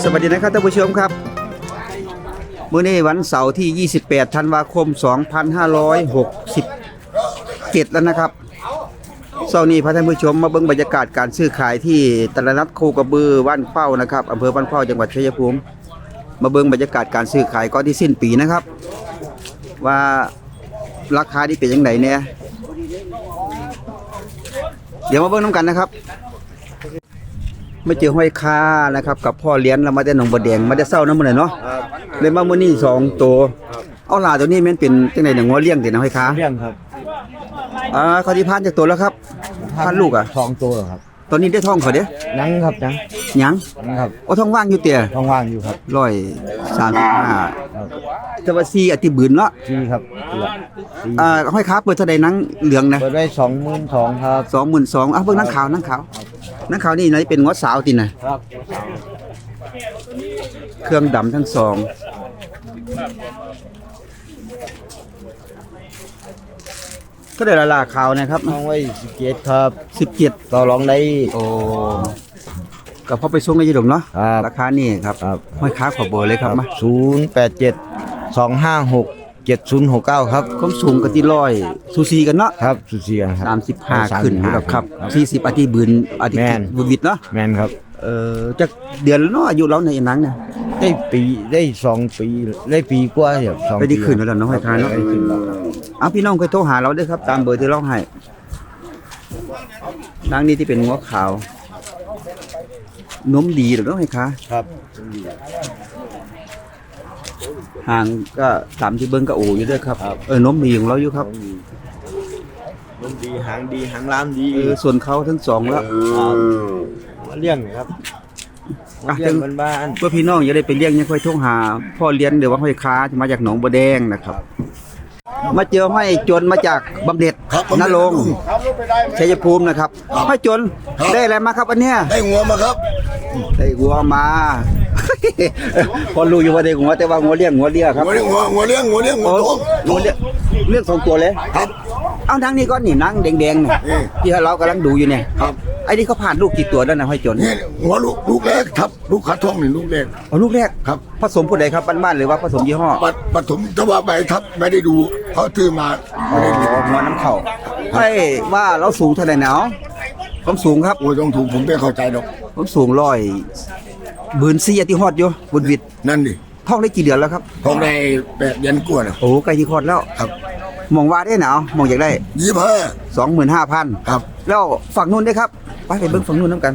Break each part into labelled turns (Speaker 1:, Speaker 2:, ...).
Speaker 1: สวัสดีนะครับท่านผู้ชมครับมื้อนี้วันเสาร์ที่28ธันวาคม2567แล้วนะครับเสาร์นี้พาท่านผู้ชมมาเบิ่งบรรยากาศการซื้อขายที่ตลาดนัดโคกระบือบ้านเป้านะครับอำเภอบ้านเป้าจังหวัดชัยภูมิมาเบิ่งบรรยากาศการซื้อขายก่อนที่สิ้นปีนะครับว่าราคาที่เป็นยังไงเนี่ยเดี๋ยวมาเบิ่งน้ำกันนะครับไม่เจอห้อยค้านะครับกับพ่อเลี้ยงเรามาได้หนองบัวแดงมาได้เศร้าน้ำมันเลยเนาะเลยมามื้อนี้2ตัวเอาหลาตัวนี้มันเป็นจังได๋เนี่ยงัวเลี้ยงตินะห้อยค้า
Speaker 2: เลี้ยงครับ
Speaker 1: เขาที่พานจากตัวแล้วครับพานลูกอ่ะ
Speaker 2: 2 ตัวครับ
Speaker 1: ตอนนี้ได้ท้องเขาเด้
Speaker 2: ยังครับ
Speaker 1: ยัง
Speaker 2: ครับ
Speaker 1: เอาท้องว่างอยู่เตี่ย
Speaker 2: ท้องว่างอยู่ครับ
Speaker 1: 135แต่ว่า4อติบืนเนาะ
Speaker 2: ที่ครับ
Speaker 1: ห้อยค้าเปิดเท่าใดหนังเหลืองนะ
Speaker 2: เปิดไว้22,000ครับ
Speaker 1: 22,000เบิ่งหนังขาวนี่ไหนเป็นงัวสาวตินะครับเครื่องดำทั้งสองก็ได้ราคานะครับ
Speaker 2: ท้องไว้17ครับ
Speaker 1: 17
Speaker 2: ต่อรองได้
Speaker 1: โอ้ก็พอไปส่งในยี่ดงเนาะราคานี่ครับห้อยค้าขอเบอร์เลยครับมา
Speaker 2: 087-256-7069ครับ
Speaker 1: ความสูงก็ที่100ซูซีกันเนาะ
Speaker 2: ครับซูซีกันครับ
Speaker 1: 35ขึ้นครับ40อาทิตย์บืนอาทิตย์วิดเนาะ
Speaker 2: แม่นครับ
Speaker 1: จักเดือนแล้วเนาะอายุเราในหนังเนี่ย
Speaker 2: ได้2 ปีได้ปีกว่าครับ
Speaker 1: 2ปีได้ขึ้นแล้วเนาะห้อยค้าเนาะพี่น้องเคยโทรหาเราด้วยครับตามเบอร์ที่เราให้นางนี้ที่เป็นงัวขาวนมดีหรือน้องห้อยค้า
Speaker 2: ครับ
Speaker 1: ห่างก็ตามที่เบิ้งก็โอ้อยู่ด้วยครับนมดีของเราอยู่ครับ
Speaker 2: นมดีหางดีหางล้ามดี
Speaker 1: ส่วนเขาทั้งสองแล้ว
Speaker 2: มาเลี้ยงครับ
Speaker 1: เลี้ยงบ้านเพื่อพี่น้องอย่าได้ไปเลี้ยงยังค่อยโทรหาพ่อเลี้ยงเดี๋ยวว่าห้อยค้าจะมาจากหนองบัวแดงนะครับมาเจอห้อยจนมาจากบำเหน็จนรงค์ชัยภูมินะครับห้อยจนได้อะไรมาครับอันเนี้ย
Speaker 3: ได้งัวมาครับ
Speaker 1: ได้งัวมาพอรู้อยู่ว่าได้งัวแต่ว่างัวเลี้ยงครับ
Speaker 3: งัวเลี้ยงงัวเลี้ยงเลี้ยง
Speaker 1: 2 ตัวเลย
Speaker 3: ครับ
Speaker 1: เอานังนี่ก็นี่นังแดงๆที่เรากำลังดูอยู่เนี่ย
Speaker 3: ครับ
Speaker 1: ไอ้นี่เขาผ่านลูกกี่ตัวแล้วนะห้อยจน
Speaker 3: นี่หัวลูกแรกครับลูกขาท้องนี่ลูกแรก
Speaker 1: ลูกแรก
Speaker 3: ครับ
Speaker 1: ผสมผู้ใดครับบ้านๆหรือว่าผสมยี่ห้อ
Speaker 3: ผสมถ้าว่าใบทับไม่ได้ดูเขาซื้อมาไม่ได้ดู
Speaker 1: หัวน้ำเข่าให้ว่าเราสูงเท่าไหร่เนาะผมสูงครับ
Speaker 3: โอ้ยต้องถูกผมไม่เข้าใจดอก
Speaker 1: ผมสูง100บืน4ที่ฮอดอยู่บุญวิทย์
Speaker 3: นั่นดิ
Speaker 1: ท้องได้กี่เดือนแล้วครับ
Speaker 3: ท้องได้8 เดือนกว่าแล้ว
Speaker 1: โอ้ใกล้ที่คลอดแล้ว
Speaker 3: ครับ
Speaker 1: มองว่าได้หนาวมองอยากได้25,000
Speaker 3: ครับ
Speaker 1: แล้วฝั่งนู้นได้ครับไปเบิ่งฝั่งนู้นน้ำกัน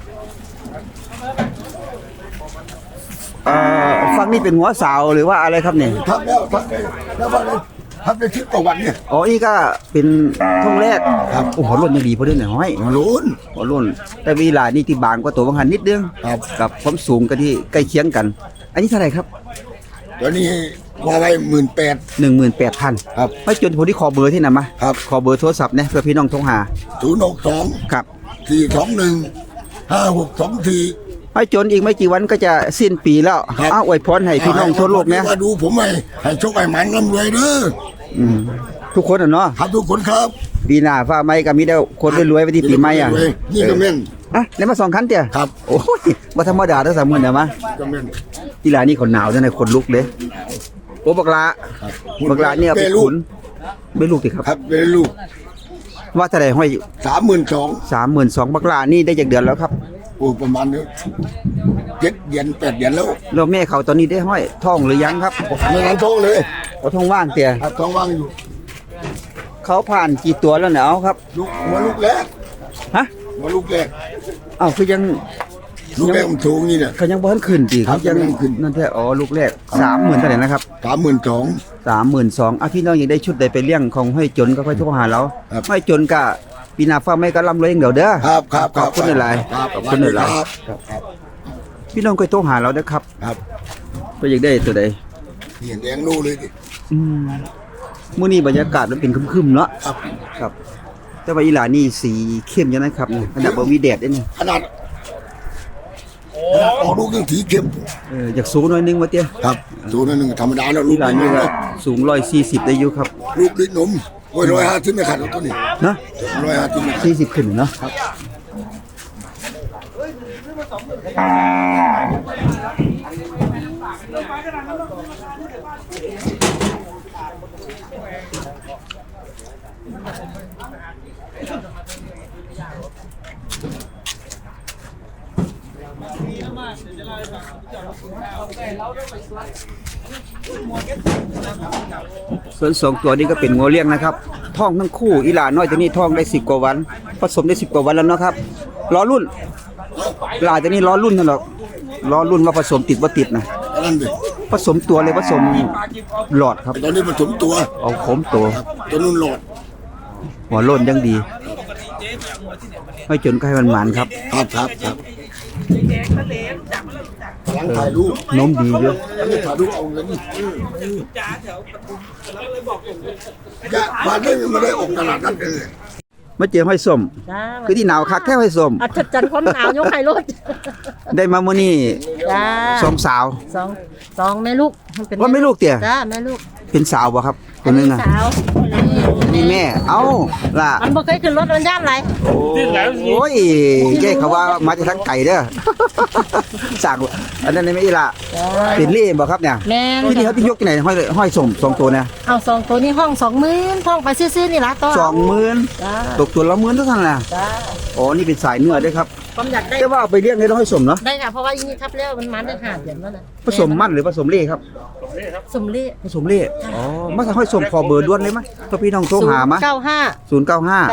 Speaker 1: ฝั่งนี้เป็นหัวสาวหรือว่าอะไรครับเนี่ย
Speaker 3: ทับแล้วทับได้10 กว่าวันเนี่ย
Speaker 1: นี่ก็เป็นท้องแรก
Speaker 3: ครับ
Speaker 1: โอ้โหรุ่นยังดีพอดีหน่อยห้อยรุ่นแต่วีลานี่ที่บางกว่าตัวบางหันนิดนึงกับความสูงกันที่ใกล้เคียงกันอันนี้เท่าไหร่ครับ
Speaker 3: ตัวนี้ว่าไว้
Speaker 1: 18,000
Speaker 3: ครับ
Speaker 1: ไม่จนผมที่ขอเบอร์ที่ไหนมา
Speaker 3: ครับ
Speaker 1: ขอเบอร์โทรศัพท์เนี่ยเพื่อพี่น้องโทรหา
Speaker 3: 062
Speaker 1: ครับ
Speaker 3: 4215624
Speaker 1: ไม่จนอีกไม่กี่วันก็จะสิ้นปีแล้วอวยพรให้พี่น้องทั่วโลกเนี่ย
Speaker 3: มาดูผมให้โชคให้หมันร่ำรวยเด้อ
Speaker 1: ทุกคนเนาะ
Speaker 3: ครับทุกคนครับ
Speaker 1: ปีหน้าฟ้าไม้ก็มีได้คนรวยๆไปที่ปีใหม่
Speaker 3: นี่ก็แม่น
Speaker 1: แล้วมา2 คันเตี่ย
Speaker 3: ครับ
Speaker 1: โอ้ยบ่ธรรมดาเด้อ30,000เด้อมา
Speaker 3: ก็แม่น
Speaker 1: กีฬานี่คนหนาวจังได๋คนลุกเด้โอ้บักลาเนี่ยเป็นขุนเป็นลูกติครับ
Speaker 3: ครับเป็นลูก
Speaker 1: ว่าเท่าใดห้อย
Speaker 3: 32,000
Speaker 1: บักลานี่ได้จากเดือนแล้วครับ
Speaker 3: โอ้ประมาณ7 เดือน8 เดือนแล้ว
Speaker 1: แม่เขาตอนนี้ได้ห้อยท้องหรือยังครับ
Speaker 3: ไม่ทันท้องเลย
Speaker 1: ท้องว่างเตี่ย
Speaker 3: ท้องว่างอยู่
Speaker 1: เขาผ่านกี่ตัวแล้วเนี่ยครับ
Speaker 3: ลูกแรกลูกแรก
Speaker 1: คือยัง
Speaker 3: ลูกแรกมันสูงนี่เนี่ย
Speaker 1: เขายังบ่ทันขึ้นติเขายังนั่นแท้ลูกแรก30,000เท่าไหร่นะครับ32,000พี่น้องยังได้ชุดใดไปเลี้ยงของห้อยจนก็ค่อยโทรหาเราห้อยจนก็ปีหน้าฟ้าไม่ก็ร่ำรวยอย่างเดียวเด้อ
Speaker 3: ครับ
Speaker 1: ขอบคุณหลายขอบคุณหลายพี่น้องค่อยโทรหาเราเด้อครับก็อยากได้ตัวใด
Speaker 3: นี่แดงนู่เลยดิ
Speaker 1: มื้อนี้บรรยากาศมันเป็นครึมๆเนาะครับแต่ว่าอีหลานี่สีเข้มจังนะครับขนาดบ่มีแดดเด้นี่
Speaker 3: ขนาดออกลูกยังสีเข้ม
Speaker 1: อยากสูงหน่อยนึงว่าเตี้ย
Speaker 3: ครับสูงหน่อยนึงธรรมดาแล้วลูก
Speaker 1: หลานนี่ก็สูง140ได้อยู่ครับ
Speaker 3: ลูกลิ้นนมโอ้ย150ไม่ขาดตัวนี้
Speaker 1: นะ150 40ขึ้นเนาะส่วนสองตัวนี้ก็เป็นงัวเลี้ยงนะครับท้องทั้งคู่อีหลาน้อยตัวนี้ท้องได้10 กว่าวันผสมได้10 กว่าวันแล้วเนาะครับล้อรุ่นหลาตัวนี้ล้อรุ่นนั่นหรอกล้อรุ่นว่าผสมติดว่าติดนะ
Speaker 3: นั่นดิ
Speaker 1: ผสมตัวเลยผสมหลอดครับ
Speaker 3: ตอนนี้ผสมตัว
Speaker 1: เอาขมตัว
Speaker 3: ตัวนุ่นโหลด
Speaker 1: หัวโล้นยังดีไม่จนก็ให้มันหมานครับ
Speaker 3: ครับหลังถ่ายรูป
Speaker 1: นมดีเยอะ
Speaker 3: แล้วถ่ายรูปเอาเงินนี่จะมาได้ออกตลาดนัดเลย
Speaker 1: มาเจอห้อยส้ม
Speaker 4: จ้า
Speaker 1: คือที่หนาวคักแค่ห้อยส้ม
Speaker 4: อัศจรรย์ความหนาวยกไข่รถ
Speaker 1: ได้มามื้อนี้
Speaker 4: จ้า
Speaker 1: สองสาว
Speaker 4: สองแม่ลูกเป็น
Speaker 1: ว่าไม่ลูกเตี่ย
Speaker 4: จ้าแม่ลูก
Speaker 1: เป็นสาวบ่ครับคนนึงอ่ะ
Speaker 4: สาว
Speaker 1: นี่แม่เอ้าล่ะ
Speaker 4: มันบ่เคยขึ้นรถมันย่านไร
Speaker 1: โอ้ยแกเขาว่ามาจากทางไก่เด้อ สั่งอันนั้นไม่อีละ
Speaker 4: จ้า
Speaker 1: เป็นเล่บ่ครับเนี่ย
Speaker 4: แม่
Speaker 1: ที่นี่เขาที่ยกที่ไหนห้อยส้มสองตัวเนี่ย
Speaker 4: เอาสองตัวนี้ห้อง20,000ห้องไปซื้อๆนี่ล่ะตัว
Speaker 1: 20,000
Speaker 4: จ้า
Speaker 1: ตกตัวละ10,000เท่านั้นน่ะ
Speaker 4: จ้า
Speaker 1: อ๋อนี่เป็นสายเนื้อด้วยครับ
Speaker 4: ความอยากได้
Speaker 1: แต่ว่าเอาไปเลี้ยงในต้องห้อยส้มเนาะ
Speaker 4: ได้ค่ะเพราะว่าอีนี่ทับแล้วมันได้5เดือนแล้วนะ
Speaker 1: ผสมมันหรือผสมเล่ครับ
Speaker 4: สมเล่
Speaker 1: ผสมเล่อ๋อมาจากห้อยส้มขอเบอร์ด่วนเลยมั้ยถ้าพี่น้องโทรหามา
Speaker 4: 095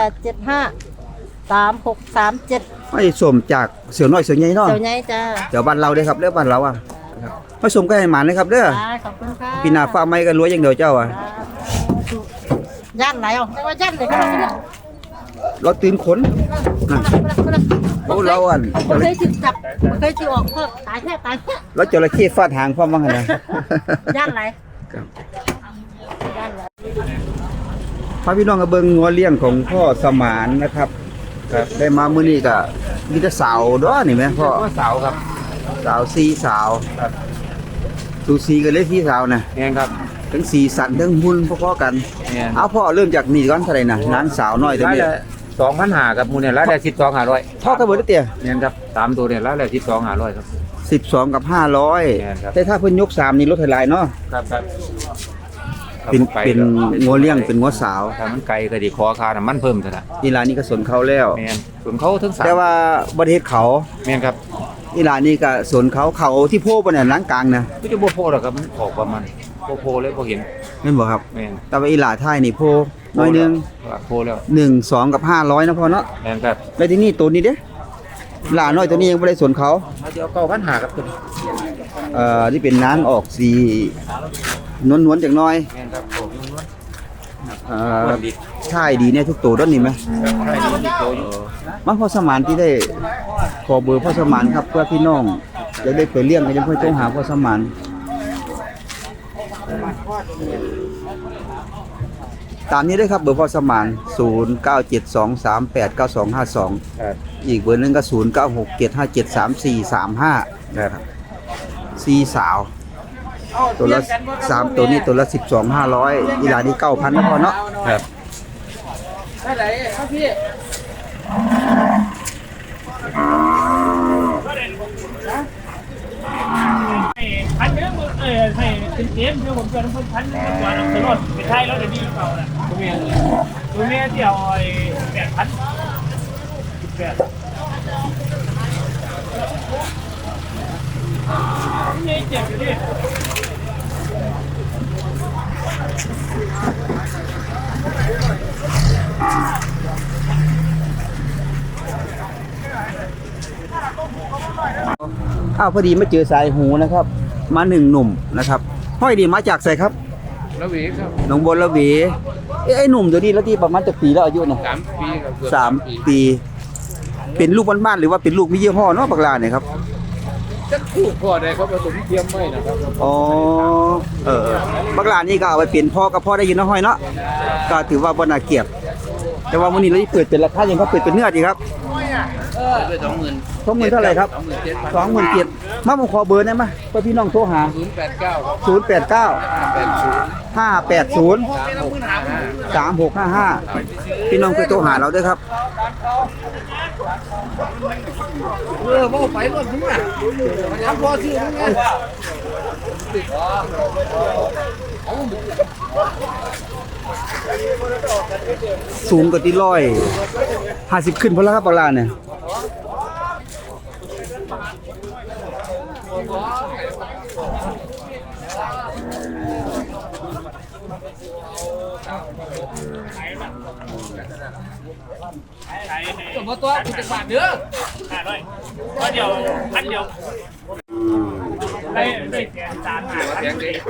Speaker 1: 095
Speaker 4: 875 3637
Speaker 1: ห้อยส้มจากเสือน้อยเสือใหญ่เนาะ
Speaker 4: เจ้าใหญ่จ้า
Speaker 1: เดี๋ยวบ้านเราเด้อครับเด้อบ้านเราอ่ะห้อยส้มก็ให้หมานนะครับเด้อ
Speaker 4: จ้าขอบคุณค่ะ
Speaker 1: พี่นาฟ้าไม้ก็รวยอย่างเดียวเจ้าอ่ะ
Speaker 4: ย่านไหนอ่ะแต่ว่าย่านไหนก็ได้
Speaker 1: เราตื่นขนนะโอ้เราอัน
Speaker 4: บ่เคยจิจับบ่เคยจิออกเพิ่มตายแท้
Speaker 1: เราจระเข้ฟาดหางพร้อมว่างั้นนะ
Speaker 4: ย่านไหน
Speaker 1: ครับ
Speaker 4: ย่านไหน
Speaker 1: พาพี่น้องกับเบิ่งงัวเลี้ยงของพ่อสมานนะครับครับได้มามื้อนี้ก็มีแต่สาวเด้อนี่แม่พ่อสาวครับสาวสีสาวครับสูสีกันเลยพี่สาวน่ะ
Speaker 2: แม่นครับ
Speaker 1: ทั้งสีสันทั้งหุ่นพอๆกัน
Speaker 2: แม่น
Speaker 1: เอาพ่อเริ่มจากนี่ก่อนเท่าไหร่น่ะนางสาวน้อยตัว
Speaker 2: ร้าน
Speaker 1: นี้
Speaker 2: ละ2,500ครับหมูเนี่ยร้านละ12,500
Speaker 1: พ่อก็เบิดเตี้ย
Speaker 2: แม่นครับ3ตัวเนี่ยร้านละ12,500ครับ
Speaker 1: 12 กับ
Speaker 2: แม่นครับ
Speaker 1: 500แต่ถ้าเพิ่นยก3นี่ลดให้หลายเนาะ
Speaker 2: ครับครับ
Speaker 1: เป็นงัวเลี้ยงเป็นงัวสาว
Speaker 2: ถ้ามันไกลก็สิขอค่าน้ำมันเพิ่มเท่านั้น
Speaker 1: อีหลานนี่ก็สนเขาแล้ว
Speaker 2: แม่นส่วนเขาทั้ง3
Speaker 1: แต่ว่าบ่ได้เฮ็ดเขา
Speaker 2: แม่นครับ
Speaker 1: อีหลานนี่ก็สนเขาที่โพบ่เนี่ยหลังกลางนะ
Speaker 2: ก็จะบ่โพดหรอกครับมันออกประมาณโพเลยบ่เห็น
Speaker 1: แม่นบ่ครับ
Speaker 2: แม่น
Speaker 1: แต่ว่าอีหลาท้ายนี่โพน้อยหนึง
Speaker 2: โพแล้ว
Speaker 1: 1 2 กับ 500นะพ่อเนาะ
Speaker 2: แม่นครับ
Speaker 1: แล้วที่นี่ตัวนี้เด้หลาน้อยตัวนี้ยังบ่ได้สนเขา
Speaker 2: มาเดี๋ยว9,500ครับตัวนี้
Speaker 1: ที่เป็นน้ำออกสีนวลๆจักหน่อย
Speaker 2: แม่นครับโอ้ยนวล
Speaker 1: เอ่อท้ายดีเนี่ยทุกตัวด้านนี้ไหม
Speaker 2: ใช่ดีโตอยู่
Speaker 1: มาพ่อสมานที่ได้ขอเบอร์พ่อสมานครับเพื่อพี่น้องจะได้ไปเลี้ยงก็จะเพื่อโทรหาพ่อสมานตามนี้ด้วยครับเบอร์พ่อสมาน0972389252
Speaker 2: ครับ
Speaker 1: อีกเบอร์หนึงก็0967573435นะครับซีสาวตัวละ3ตัวนี้ตัวละ12,500อีหลานี่ 9,000นะพ่อเนาะ
Speaker 2: ครับ
Speaker 5: พันเยอะมึงให้เป็นเกมเดี๋ยวผมจะต้องพันกว่าเราตลอดไปไทยแล้วเดี๋ยวนี้เก่าแหละตัวเมียที่เอาไอ้8,000นี่เจ็บอยู่ดิ
Speaker 1: พอดีมาเจอสายหูนะครับ มา1 หนุ่มนะครับห้อยดีมาจากไสครับ
Speaker 2: แล้ววีครับ
Speaker 1: หนองบนละเวไอ้หนุ่มตัวนี้แล้วที่ประมาณจะปีแล้วอายุนะ
Speaker 2: 3 ปีครับเกือบ
Speaker 1: 3 ปี เป็นลูกบ้านๆหรือว่าเป็นลูกมียี่ห้อเนาะบักลาเนี่ยครับ
Speaker 2: จะคู่พ่อได้ครับผสมเทียมไม่นะครับ
Speaker 1: อ๋อบักลานี่ก็เอาไปเปลี่ยนพ่อกับพ่อได้ยินเนาะห้อยเนาะก็ถือว่าบ่น่าเกลียดแต่ว่ามื้อนี้เราสิเปิดเป็นราคายังเขาเปิดเป็นเนื้อดีครับ
Speaker 6: ด้วย20,000
Speaker 1: 20,000เท่าไหร่ครับ
Speaker 6: 27,000
Speaker 1: มาผมขอเบอร์ได้ไหมเพื่อพี่น้องโทรหา
Speaker 6: 089
Speaker 1: 089 580 3655พี่น้องเคยโทรหาเราด้วยครับ
Speaker 6: บ่ไปรถมึงอ่ะทำพอซื้อมึงไง
Speaker 1: สูงกว่าที่150ขึ้นพอแล้วครับปลาเนี่ย
Speaker 6: ตัวบ่ตัวกูจะบาทเด้อ
Speaker 5: ด้วยก็เดี๋ยวพันเดียวได้แกนจานหา
Speaker 6: แพงดิ